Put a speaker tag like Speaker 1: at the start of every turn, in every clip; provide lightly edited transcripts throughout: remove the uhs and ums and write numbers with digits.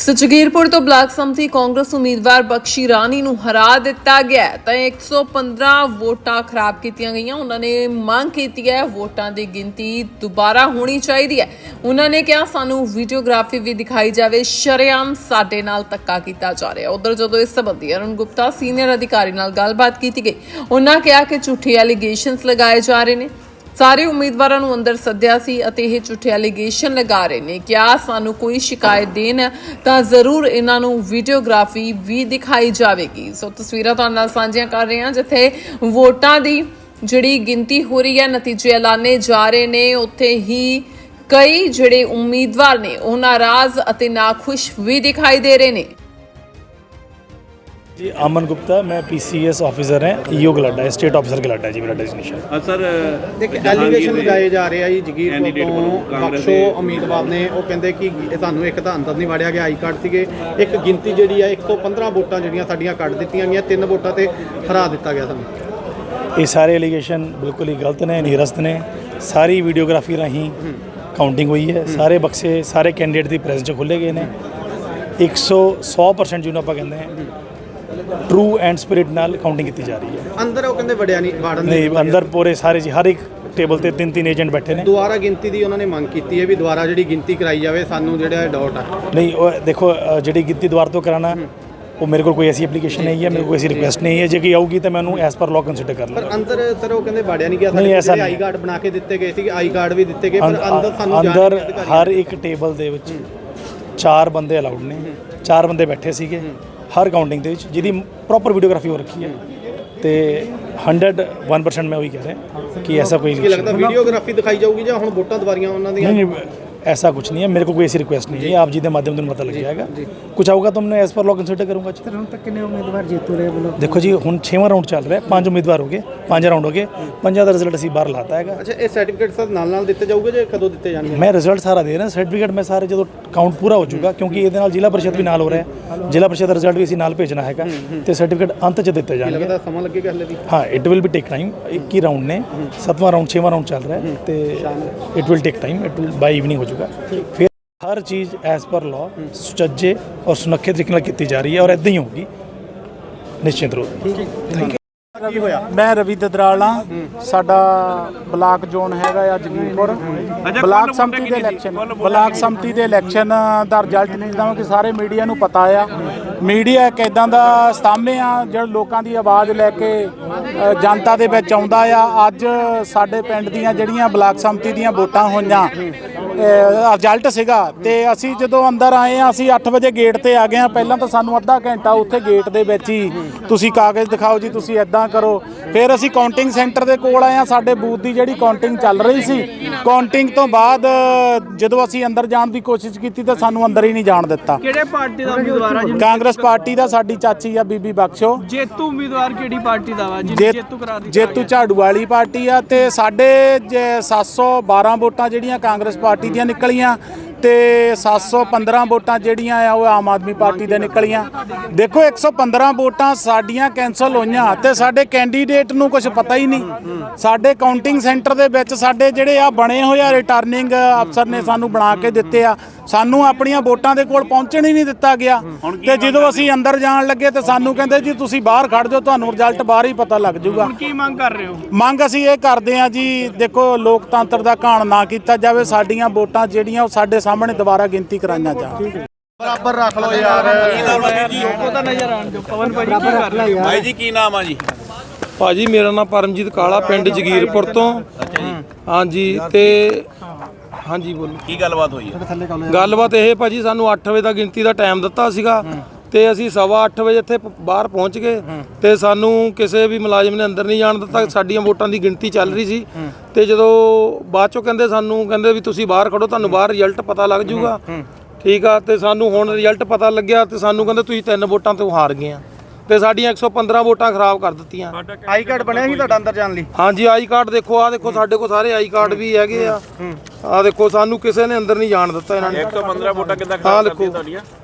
Speaker 1: ਜਗੀਰਪੁਰ ਤੋਂ ਬਲਾਕ ਸੰਮਤੀ ਕਾਂਗਰਸ ਉਮੀਦਵਾਰ ਬਖਸ਼ੀ ਰਾਣੀ ਨੂੰ ਹਰਾ ਦਿੱਤਾ ਗਿਆ ਤਾਂ 115 ਵੋਟਾਂ ਖਰਾਬ ਕੀਤੀਆਂ ਗਈਆਂ। ਉਹਨਾਂ ਨੇ ਮੰਗ ਕੀਤੀ ਹੈ ਵੋਟਾਂ ਦੀ ਗਿਣਤੀ ਦੁਬਾਰਾ ਹੋਣੀ ਚਾਹੀਦੀ ਹੈ। ਉਹਨਾਂ ਨੇ ਕਿਹਾ ਸਾਨੂੰ ਵੀਡੀਓਗ੍ਰਾਫੀ ਵੀ ਦਿਖਾਈ ਜਾਵੇ, ਸ਼ਰੇਆਮ ਸਾਡੇ ਨਾਲ ਧੱਕਾ ਕੀਤਾ ਜਾ ਰਿਹਾ। ਉਧਰ ਜਦੋਂ ਇਸ ਸੰਬੰਧੀ ਅਰੁਣ ਗੁਪਤਾ ਸੀਨੀਅਰ ਅਧਿਕਾਰੀ ਨਾਲ ਗੱਲਬਾਤ ਕੀਤੀ ਗਈ, ਉਹਨਾਂ ਕਿਹਾ ਕਿ ਝੂਠੇ ਐਲੀਗੇਸ਼ਨਸ ਲਗਾਏ ਜਾ ਰਹੇ ਨੇ। ਸਾਰੇ ਉਮੀਦਵਾਰਾਂ ਨੂੰ ਅੰਦਰ ਸੱਦਿਆ ਸੀ ਅਤੇ ਇਹ ਝੂਠੇ ਐਲੀਗੇਸ਼ਨ ਲਗਾ ਰਹੇ ਨੇ। ਕਿਹਾ ਸਾਨੂੰ ਕੋਈ ਸ਼ਿਕਾਇਤ ਦੇਣ ਤਾਂ ਜ਼ਰੂਰ ਇਹਨਾਂ ਨੂੰ ਵੀਡੀਓਗ੍ਰਾਫੀ ਵੀ ਦਿਖਾਈ ਜਾਵੇਗੀ। ਸੋ ਤਸਵੀਰਾਂ ਤੁਹਾਡੇ ਨਾਲ ਸਾਂਝੀਆਂ ਕਰ ਰਹੇ ਹਾਂ ਜਿੱਥੇ ਵੋਟਾਂ ਦੀ ਜਿਹੜੀ ਗਿਣਤੀ ਹੋ ਰਹੀ ਹੈ, ਨਤੀਜੇ ਐਲਾਨੇ ਜਾ ਰਹੇ ਨੇ, ਉੱਥੇ ਹੀ ਕਈ ਜਿਹੜੇ ਉਮੀਦਵਾਰ ਨੇ ਉਹ ਨਾਰਾਜ਼ ਅਤੇ ਨਾਖੁਸ਼ ਵੀ ਦਿਖਾਈ ਦੇ ਰਹੇ ਨੇ।
Speaker 2: जी अमन गुप्ता, मैं PCS ऑफिसर हैं, ईओ गलाडा है, स्टेट ऑफिसर गलाडा है जी मेरा डेजिग्नेशन।
Speaker 3: सर देखिए एलीगेशन लगाए जा रहे हैं जी जगीरपुर ਤੋਂ ਬਖਸ਼ੋ ਉਮੀਦਵਾਰ ਨੇ ਉਹ ਕਹਿੰਦੇ ਕਿ ਸਾਨੂੰ ਇੱਕ ਤਾਂ ਅੰਦਰ ਨਹੀਂ ਵੜਿਆ ਗਿਆ, ਆਈ ਕਾਰਡ ਸੀਗੇ, ਇੱਕ ਗਿਣਤੀ ਜਿਹੜੀ ਹੈ 115 ਵੋਟਾਂ ਜਿਹੜੀਆਂ ਸਾਡੀਆਂ ਕੱਢ ਦਿੱਤੀਆਂ ਗਈਆਂ, 3 ਵੋਟਾਂ ਤੇ ਹਰਾ ਦਿੱਤਾ ਗਿਆ ਸਾਨੂੰ।
Speaker 2: ਇਹ ਸਾਰੇ ਐਲੀਗੇਸ਼ਨ ਬਿਲਕੁਲ ਹੀ ਗਲਤ ਨੇ, ਨਿਰਸਤ ਨੇ। ਸਾਰੀ ਵੀਡੀਓਗ੍ਰਾਫੀ ਰਾਹੀਂ ਕਾਊਂਟਿੰਗ ਹੋਈ ਹੈ, ਸਾਰੇ ਬਕਸੇ ਸਾਰੇ ਕੈਂਡੀਡੇਟ ਦੀ ਪ੍ਰੈਜ਼ੈਂਸ 'ਚ ਖੋਲ੍ਹੇ ਗਏ ਨੇ। 100% ਜਿਹਨੂੰ ਆਪਾਂ ਕਹਿੰਦੇ ਹਾਂ ट्रू एंड स्पिरिट नाल काउंटिंग की जा रही है।
Speaker 3: अंदर वो कहते वड़िया नहीं वार्डन
Speaker 2: नहीं, अंदर पूरे सारे जी हर एक टेबल ते 3-3 एजेंट बैठे ने।
Speaker 3: ਦੁਬਾਰਾ ਗਿਣਤੀ ਦੀ ਉਹਨਾਂ ਨੇ ਮੰਗ ਕੀਤੀ ਹੈ ਵੀ ਦੁਬਾਰਾ ਜਿਹੜੀ ਗਿਣਤੀ ਕਰਾਈ ਜਾਵੇ, ਸਾਨੂੰ ਜਿਹੜਾ ਡਾਊਟ ਆ।
Speaker 2: नहीं वो देखो जी गिनती दोबारा तो कराना वो मेरे को कोई ऐसी एप्लीकेशन नहीं है, मेरे को ऐसी रिक्वेस्ट नहीं है। जे आऊगी तो मैं एज पर लॉ कंसीडर कर लूँगा।
Speaker 3: पर अंदर सर वो कहते वड़िया नहीं गया,
Speaker 2: नहीं ऐसा
Speaker 3: आई कार्ड बना के दिते गए थे, आई कार्ड भी दिते गए, पर अंदर ਸਾਨੂੰ
Speaker 2: अंदर हर एक टेबल ਦੇ ਵਿੱਚ 4 ਬੰਦੇ ਅਲਾਉਡ ਨੇ, 4 ਬੰਦੇ ਬੈਠੇ ਸੀਗੇ ਹਰ ਕਾਊਂਟਿੰਗ ਦੇ ਵਿੱਚ, ਜਿਹਦੀ ਪ੍ਰੋਪਰ ਵੀਡੀਓਗ੍ਰਾਫੀ ਹੋ ਰੱਖੀ ਹੈ। ਤੇ 101% ਮੈਂ ਉਹੀ ਕਹਿ ਰਿਹਾ ਕਿ ऐसा कोई
Speaker 3: नहीं लगता वीडियोग्राफी दिखाई जाऊगी ਜਾਂ ਹੁਣ ਵੋਟਾਂ ਦੁਬਾਰੀਆਂ ਉਹਨਾਂ ਦੀਆਂ।
Speaker 2: नहीं ऐसा कुछ नहीं है, मेरे को कोई ऐसी रिक्वेस्ट नहीं है। आप जी के माध्यम से पता लग जाएगा, कुछ आऊगा तो मैं एज पर लॉ कंसीडर करूँगा।
Speaker 4: ਹੁਣ ਤੱਕ ਕਿੰਨੇ ਉਮੀਦਵਾਰ जीतू रहे बोलो?
Speaker 2: देखो जी ਹੁਣ 6ਵਾਂ ਰਾਊਂਡ ਚੱਲ ਰਿਹਾ, 5 ਉਮੀਦਵਾਰ ਹੋ ਗਏ, 5 ਰਾਊਂਡ ਹੋ ਗਏ, 5 ਦਾ ਰਿਜ਼ਲਟ ਅਸੀਂ ਬਾਹਰ ਲਾਤਾ ਹੈਗਾ।
Speaker 3: ਅੱਛਾ, ਇਹ ਸਰਟੀਫਿਕੇਟ ਸਰ ਨਾਲ ਦਿੱਤੇ ਜਾਊਗੇ ਜਾਂ ਕਦੋਂ ਦਿੱਤੇ ਜਾਣਗੇ?
Speaker 2: ਮੈਂ ਰਿਜ਼ਲਟ ਸਾਰਾ ਦੇ ਰਿਹਾ, ਸਰਟੀਫਿਕੇਟ ਮੈਂ ਸਾਰੇ ਜਦੋਂ ਕਾਊਂਟ ਪੂਰਾ ਹੋ ਜਾਊਗਾ, ਕਿਉਂਕਿ ਇਹਦੇ ਨਾਲ ਜ਼ਿਲ੍ਹਾ ਪਰਿਸ਼ਦ ਵੀ ਨਾਲ ਹੋ ਰਿਹਾ ਹੈ, ਜ਼ਿਲ੍ਹਾ ਪਰਿਸ਼ਦ ਦਾ ਰਿਜ਼ਲਟ ਵੀ ਅਸੀਂ ਨਾਲ ਭੇਜਣਾ ਹੈਗਾ ਤੇ ਸਰਟੀਫਿਕੇਟ ਅੰਤ 'ਚ ਦਿੱਤੇ ਜਾਣਗੇ।
Speaker 3: ਲੱਗਦਾ ਸਮਾਂ ਲੱਗੇਗਾ ਹਲੇ ਵੀ?
Speaker 2: ਹਾਂ, it will be take time. 21 round ਨੇ, 7ਵਾਂ ਰਾਊਂਡ 6ਵਾਂ ਰਾਊਂਡ ਚੱਲ ਰਿਹਾ ਹੈ ਤੇ it will take time, it will by evening ਹੋ ਜਾਊਗਾ। ਫਿਰ हर चीज़ एज पर लॉ सुचज्जे और सुनखे तरीके नाल की जा रही है और इदां ही होगी निश्चित रूप। Thank you.
Speaker 5: मैं रवि ददराल हाँ, साडा ब्लाक जोन हैगा आ जगीरपुर। ब्लाक संमति दे इलैक्शन दा रिजल्ट जिद्दां कि सारे मीडिया नूं पता आ। मीडिया एक इदां दा सामने आ ਜਿਹੜਾ ਲੋਕਾਂ ਦੀ ਆਵਾਜ਼ ਲੈ ਕੇ ਜਨਤਾ ਦੇ ਵਿੱਚ ਆਉਂਦਾ ਆ। ਅੱਜ ਸਾਡੇ ਪਿੰਡ ਦੀਆਂ ਜਿਹੜੀਆਂ ਬਲਾਕ ਸੰਮਤੀ ਦੀਆਂ ਵੋਟਾਂ ਹੋਈਆਂ, ਰਿਜ਼ਲਟ ਸੀਗਾ ਤੇ ਅਸੀਂ ਜਦੋਂ ਅੰਦਰ ਆਏ ਆ, ਅਸੀਂ 8 ਵਜੇ ਗੇਟ ਤੇ ਆ ਗਏ ਆ। ਪਹਿਲਾਂ ਤਾਂ ਸਾਨੂੰ ਅੱਧਾ ਘੰਟਾ ਉੱਥੇ ਗੇਟ ਦੇ ਵਿੱਚ ਹੀ ਤੁਸੀਂ ਕਾਗਜ਼ ਦਿਖਾਓ ਜੀ, ਤੁਸੀਂ ਇੱਦਾਂ ਕਰੋ। ਫਿਰ ਅਸੀਂ ਕਾਊਂਟਿੰਗ ਸੈਂਟਰ ਦੇ ਕੋਲ ਆਏ ਆ, ਸਾਡੇ ਬੂਥ ਦੀ ਜਿਹੜੀ ਕਾਊਂਟਿੰਗ ਚੱਲ ਰਹੀ ਸੀ। ਕਾਊਂਟਿੰਗ ਤੋਂ ਬਾਅਦ ਜਦੋਂ ਅਸੀਂ ਅੰਦਰ ਜਾਣ ਦੀ ਕੋਸ਼ਿਸ਼ ਕੀਤੀ ਤਾਂ ਸਾਨੂੰ ਅੰਦਰ ਹੀ ਨਹੀਂ ਜਾਣ ਦਿੱਤਾ।
Speaker 4: ਕਿਹੜੇ ਪਾਰਟੀ ਦਾ ਉਮੀਦਵਾਰ ਆ ਜੀ?
Speaker 5: ਕਾਂਗਰਸ ਪਾਰਟੀ ਦਾ, ਸਾਡੀ ਚਾਚੀ ਆ ਬੀਬੀ ਬਖਸ਼ੋ।
Speaker 4: ਜੇਤੂ ਉਮੀਦਵਾਰ ਕਿਹੜੀ ਪਾਰਟੀ ਦਾ ਵਾ? ਜੇਤੂ ਕਰਾ ਦਿੱਤਾ।
Speaker 5: ਜੇਤੂ ਝਾੜੂ ਵਾਲੀ ਪਾਰਟੀ ਆ ਤੇ ਸਾਡੇ 712 ਵੋਟਾਂ ਜਿਹੜੀਆਂ ਕਾਂਗਰਸ ਪਾਰਟੀ ਦੀਆਂ ਨਿਕਲੀਆਂ ਤੇ 715 ਵੋਟਾਂ ਜਿਹੜੀਆਂ ਆ ਉਹ ਆਮ ਆਦਮੀ ਪਾਰਟੀ ਦੇ ਨਿਕਲੀਆਂ। ਦੇਖੋ 115 ਵੋਟਾਂ ਸਾਡੀਆਂ ਕੈਂਸਲ ਹੋਈਆਂ ਤੇ ਸਾਡੇ ਕੈਂਡੀਡੇਟ ਨੂੰ ਕੁਝ ਪਤਾ ਹੀ ਨਹੀਂ। ਸਾਡੇ ਕਾਊਂਟਿੰਗ ਸੈਂਟਰ ਦੇ ਵਿੱਚ ਸਾਡੇ ਜਿਹੜੇ ਆ ਬਣੇ ਹੋਏ ਆ, ਰਿਟਰਨਿੰਗ ਅਫਸਰ ਨੇ ਸਾਨੂੰ ਬਣਾ ਕੇ ਦਿੱਤੇ ਆ, ਸਾਨੂੰ ਆਪਣੀਆਂ ਵੋਟਾਂ ਦੇ ਕੋਲ ਪਹੁੰਚਣ ਹੀ ਨਹੀਂ ਦਿੱਤਾ ਗਿਆ। ਤੇ ਜਦੋਂ ਅਸੀਂ ਅੰਦਰ ਜਾਣ ਲੱਗੇ ਤੇ ਸਾਨੂੰ ਕਹਿੰਦੇ ਜੀ ਤੁਸੀਂ ਬਾਹਰ ਖੜ ਜਾਓ, ਤੁਹਾਨੂੰ ਰਿਜ਼ਲਟ ਬਾਹਰ ਹੀ ਪਤਾ ਲੱਗ ਜਾਊਗਾ।
Speaker 4: ਕੀ ਮੰਗ ਕਰ ਰਹੇ ਹੋ?
Speaker 5: ਮੰਗ ਅਸੀਂ ਇਹ ਕਰਦੇ ਆ ਜੀ, ਦੇਖੋ ਲੋਕਤੰਤਰ ਦਾ ਘਾਣ ਨਾ ਕੀਤਾ ਜਾਵੇ, ਸਾਡੀਆਂ ਵੋਟਾਂ ਜਿਹੜੀਆਂ ਉਹ ਸਾਡੇ ਸਾਹਮਣੇ ਦੁਬਾਰਾ ਗਿਣਤੀ ਕਰਾਈਆਂ ਜਾਣ।
Speaker 3: ਬਰਾਬਰ ਰੱਖ ਲਓ ਯਾਰ।
Speaker 4: ਲੋਕੋ ਤਾਂ ਨਜ਼ਰ ਆਣ ਦਿਓ। ਪਵਨ ਭਾਈ ਕੀ ਕਰ ਰਹੇ ਹੋ?
Speaker 6: ਭਾਈ ਜੀ ਕੀ ਨਾਮ ਆ ਜੀ?
Speaker 7: ਭਾਜੀ ਮੇਰਾ ਨਾਮ ਪਰਮਜੀਤ ਕਾਲਾ, ਪਿੰਡ ਜਗੀਰਪੁਰ ਤੋਂ। ਹਾਂਜੀ ਤੇ ਹਾਂਜੀ ਬੋਲੋ,
Speaker 6: ਕੀ ਗੱਲਬਾਤ ਹੋਈ ਹੈ?
Speaker 7: ਗੱਲਬਾਤ ਇਹ ਭਾਜੀ, ਸਾਨੂੰ 8 ਵਜੇ ਦਾ ਗਿਣਤੀ ਦਾ ਟਾਈਮ ਦਿੱਤਾ ਸੀਗਾ ਤੇ ਅਸੀਂ 8:15 ਵਜੇ ਇੱਥੇ ਬਾਹਰ ਪਹੁੰਚ ਗਏ ਤੇ ਸਾਨੂੰ ਕਿਸੇ ਵੀ ਮੁਲਾਜ਼ਮ ਨੇ ਅੰਦਰ ਨਹੀਂ ਜਾਣ ਦਿੱਤਾ। ਸਾਡੀਆਂ ਵੋਟਾਂ ਦੀ ਗਿਣਤੀ ਚੱਲ ਰਹੀ ਸੀ ਤੇ ਜਦੋਂ ਬਾਅਦ ਚੋਂ ਕਹਿੰਦੇ ਵੀ ਤੁਸੀਂ ਬਾਹਰ ਖੜੋ, ਤੁਹਾਨੂੰ ਬਾਹਰ ਰਿਜ਼ਲਟ ਪਤਾ ਲੱਗ ਜਾਊਗਾ। ਠੀਕ ਆ, ਤੇ ਸਾਨੂੰ ਹੁਣ ਰਿਜ਼ਲਟ ਪਤਾ ਲੱਗਿਆ ਤੇ ਸਾਨੂੰ ਕਹਿੰਦੇ ਤੁਸੀਂ 3 ਵੋਟਾਂ ਤੋਂ ਹਾਰ ਗਏ ਆ ਤੇ ਸਾਡੀਆਂ 115 ਵੋਟਾਂ ਖਰਾਬ ਕਰ ਦਿੱਤੀਆਂ।
Speaker 3: ਆਈ ਕਾਰਡ ਬਣਿਆ ਸੀ ਤੁਹਾਡਾ ਅੰਦਰ ਜਾਣ ਲਈ?
Speaker 7: ਹਾਂਜੀ, ਆਈ ਕਾਰਡ ਦੇਖੋ, ਆ ਦੇਖੋ ਸਾਡੇ ਕੋਲ ਸਾਰੇ ਆਈ ਕਾਰਡ ਵੀ ਹੈਗੇ ਆ। ਆ ਦੇਖੋ, ਸਾਨੂੰ ਕਿਸੇ ਨੇ ਅੰਦਰ ਨਹੀਂ ਜਾਣ ਦਿੱਤਾ ਇਹਨਾਂ ਨੇ।
Speaker 6: 115 ਵੋਟਾਂ ਕਿੱਦਾਂ ਖਰਾਬ ਕਰਤੀਆਂ ਤੁਹਾਡੀਆਂ?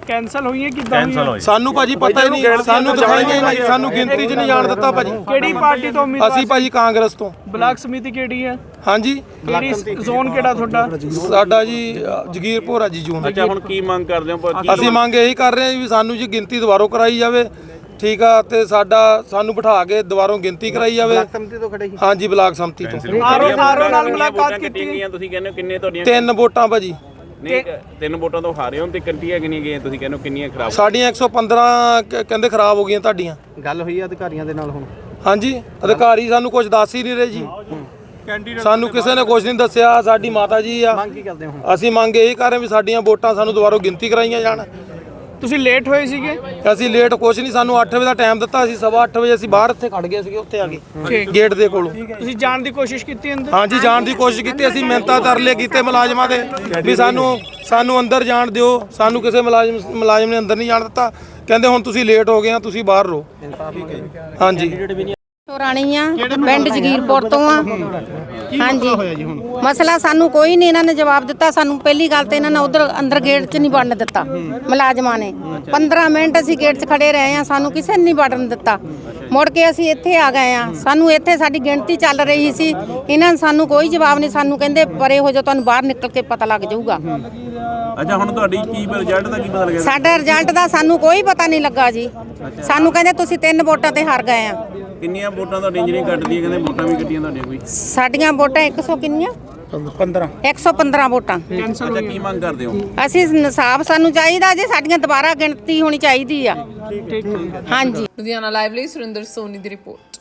Speaker 4: ਕੈਨਸਲ ਹੋਈਆਂ ਕਿੱਦਾਂ ਹੋਈਆਂ?
Speaker 7: ਸਾਨੂੰ ਭਾਜੀ ਪਤਾ ਹੀ ਨਹੀਂ, ਸਾਨੂੰ ਦਿਖਾਈਆਂ ਹੀ ਨਹੀਂ, ਸਾਨੂੰ ਗਿਣਤੀ 'ਚ ਨਹੀਂ ਜਾਣ ਦਿੱਤਾ ਭਾਜੀ।
Speaker 4: ਕਿਹੜੀ ਪਾਰਟੀ ਤੋਂ ਉਮੀਦਵਾਰ?
Speaker 7: ਅਸੀਂ ਭਾਜੀ ਕਾਂਗਰਸ ਤੋਂ।
Speaker 4: ਬਲਾਕ ਸਮਿਤੀ ਕਿਹੜੀ ਹੈ?
Speaker 7: ਹਾਂਜੀ,
Speaker 4: ਕਿਹੜੀ ਜ਼ੋਨ ਕਿਹੜਾ ਤੁਹਾਡਾ?
Speaker 7: ਸਾਡਾ ਜੀ ਜਗੀਰਪੁਰ ਆ ਜੀ ਜੂਨ।
Speaker 6: ਅੱਛਾ, ਹੁਣ ਕੀ ਮੰਗ ਕਰਦੇ ਹੋ?
Speaker 7: ਅਸੀਂ ਮੰਗ ਇਹੀ ਕਰ ਰਹੇ ਹਾਂ ਵੀ ਸਾਨੂੰ ਜੀ ਗਿਣਤੀ ਦੁਬਾਰਾ ਕਰਾਈ ਜਾਵੇ, ਠੀਕ ਆ, ਤੇ ਸਾਨੂੰ ਬਿਠਾ ਕੇ ਦੁਬਾਰਾ ਗਿਣਤੀ ਕਰਾਈ ਜਾਵੇ।
Speaker 3: ਸੰਮਤੀ ਤੋਂ ਖੜੇ ਸੀ।
Speaker 7: ਹਾਂਜੀ, ਬਲਾਕ ਸੰਮਤੀ ਤੋਂ।
Speaker 4: ਆਰਓ ਨਾਲ ਮੁਲਾਕਾਤ ਕੀਤੀ
Speaker 6: ਗਈਆਂ ਤੁਸੀਂ ਕਹਿੰਦੇ ਹੋ ਕਿੰਨੇ ਤੁਹਾਡੀਆਂ?
Speaker 7: 3 ਵੋਟਾਂ ਭਾਜੀ।
Speaker 6: ਨਹੀਂ, 3 ਵੋਟਾਂ ਤੋਂ ਹਾਰੇ ਹੋ ਤੇ ਕੰਟੀਆਂ ਕਿੰਨੀਆਂ ਗਈਆਂ ਤੁਸੀਂ ਕਹਿੰਦੇ ਹੋ ਕਿੰਨੀਆਂ ਖਰਾਬ?
Speaker 7: ਸਾਡੀਆਂ 115 ਕਹਿੰਦੇ ਖਰਾਬ ਹੋ ਗਈਆਂ ਤੁਹਾਡੀਆਂ।
Speaker 3: ਗੱਲ ਹੋਈ ਆ ਅਧਿਕਾਰੀਆਂ ਦੇ ਨਾਲ ਹੁਣ?
Speaker 7: ਹਾਂਜੀ, ਅਧਿਕਾਰੀ ਸਾਨੂੰ ਕੁਝ ਦੱਸ ਹੀ ਨਹੀਂ ਰਹੇ ਜੀ, ਸਾਨੂੰ ਕਿਸੇ ਨੇ ਕੁਝ ਨਹੀਂ ਦੱਸਿਆ। ਸਾਡੀ ਮਾਤਾ ਜੀ ਆ,
Speaker 3: ਮੰਗ ਕੀ ਕਰਦੇ ਹੋ ਹੁਣ?
Speaker 7: ਅਸੀਂ ਮੰਗ ਇਹੀ ਕਰ ਰਹੇ ਵੀ ਸਾਡੀਆਂ ਵੋਟਾਂ ਸਾਨੂੰ ਦੁਬਾਰਾ ਗਿਣਤੀ ਕਰਾਈਆਂ ਜਾਣ।
Speaker 4: ਤੁਸੀਂ ਲੇਟ ਹੋਏ ਸੀਗੇ?
Speaker 7: ਅਸੀਂ ਲੇਟ ਕੁਛ ਨਹੀਂ, ਸਾਨੂੰ 8 ਵਜੇ ਦਾ ਟਾਈਮ ਦਿੱਤਾ ਸੀ, 8:15 ਵਜੇ ਅਸੀਂ ਬਾਹਰ ਇੱਥੇ ਖੜ ਗਏ ਸੀਗੇ, ਉੱਥੇ ਆ ਗਏ ਗੇਟ ਦੇ ਕੋਲੋਂ।
Speaker 4: ਤੁਸੀਂ ਜਾਣ ਦੀ ਕੋਸ਼ਿਸ਼ ਕੀਤੀ ਅੰਦਰ?
Speaker 7: ਹਾਂਜੀ, ਜਾਣ ਦੀ ਕੋਸ਼ਿਸ਼ ਕੀਤੀ, ਅਸੀਂ ਮਿਹਨਤਾਂ ਤਰਲੇ ਕੀਤੇ ਮੁਲਾਜ਼ਮਾਂ ਦੇ ਵੀ ਸਾਨੂੰ ਅੰਦਰ ਜਾਣ ਦਿਓ। ਸਾਨੂੰ ਕਿਸੇ ਮੁਲਾਜ਼ਮ ਨੇ ਅੰਦਰ ਨਹੀਂ ਜਾਣ ਦਿੱਤਾ, ਕਹਿੰਦੇ ਹੁਣ ਤੁਸੀਂ ਲੇਟ ਹੋ ਗਏ ਆ, ਤੁਸੀਂ ਬਾਹਰ ਰਹੋ। ਹਾਂਜੀ,
Speaker 8: ਰਾਣੀ ਆ, ਪਿੰਡ ਜਗੀਰਪੁਰ ਤੋਂ ਆ। ਹਾਂਜੀ, ਮਸਲਾ ਸਾਨੂੰ ਕੋਈ ਨਹੀਂ ਇਹਨਾਂ ਨੇ ਜਵਾਬ ਦਿੱਤਾ। ਸਾਨੂੰ ਪਹਿਲੀ ਗੱਲ ਤੇ ਇਹਨਾਂ ਨੇ ਉਧਰ ਅੰਦਰ ਗੇਟ 'ਚ ਨਹੀਂ ਵੜਨ ਦਿੱਤਾ ਮੁਲਾਜ਼ਮਾਂ ਨੇ। 15 ਮਿੰਟ ਅਸੀਂ ਗੇਟ 'ਚ ਖੜੇ ਰਹੇ ਆ, ਸਾਨੂੰ ਕਿਸੇ ਨੇ ਨਹੀਂ ਵੜਨ ਦਿੱਤਾ। ਮੁੜ ਕੇ ਅਸੀਂ ਇੱਥੇ ਆ ਗਏ ਆ, ਸਾਨੂੰ ਇੱਥੇ ਸਾਡੀ ਗਿਣਤੀ ਚੱਲ ਰਹੀ ਸੀ, ਇਹਨਾਂ ਨੇ ਸਾਨੂੰ ਕੋਈ ਜਵਾਬ ਨਹੀਂ। ਸਾਨੂੰ ਕਹਿੰਦੇ ਪਰੇ ਹੋ ਜਾਓ, ਤੁਹਾਨੂੰ ਬਾਹਰ ਨਿਕਲ ਕੇ ਪਤਾ ਲੱਗ ਜਾਊਗਾ।
Speaker 6: ਅੱਛਾ, ਹੁਣ ਤੁਹਾਡੀ ਕੀ ਰਿਜ਼ਲਟ ਦਾ ਕੀ ਪਤਾ ਲੱਗਿਆ?
Speaker 8: ਸਾਡਾ ਰਿਜ਼ਲਟ ਦਾ ਸਾਨੂੰ ਕੋਈ ਪਤਾ ਨਹੀਂ ਲੱਗਾ ਜੀ। ਸਾਨੂੰ ਕਹਿੰਦੇ ਤੁਸੀਂ 3 ਵੋਟਾਂ ਤੇ ਹਾਰ ਗਏ ਆ।
Speaker 6: ਕਿੰਨੀਆਂ ਵੋਟਾਂ ਤੁਹਾਡੀਆਂ ਜਿਹੜੀਆਂ ਕੱਟਦੀਆਂ? ਕਹਿੰਦੇ ਵੋਟਾਂ ਵੀ ਕੱਟੀਆਂ ਤੁਹਾਡੀਆਂ ਕੋਈ?
Speaker 8: ਸਾਡੀਆਂ ਵੋਟਾਂ 100 ਕਿੰਨੀਆਂ? 115 ਵੋਟਾਂ।
Speaker 6: ਅੱਛਾ, ਕੀ ਮੰਗ ਕਰਦੇ ਹੋ?
Speaker 8: ਅਸੀਂ ਇਨਸਾਫ ਸਾਨੂੰ ਚਾਹੀਦਾ ਜੀ, ਸਾਡੀਆਂ ਦੁਬਾਰਾ ਗਿਣਤੀ ਹੋਣੀ ਚਾਹੀਦੀ ਆ। ਹਾਂਜੀ।
Speaker 1: ਲੁਧਿਆਣਾ ਲਾਈਵ ਲਈ ਸੁਰਿੰਦਰ ਸੋਨੀ ਦੀ ਰਿਪੋਰਟ।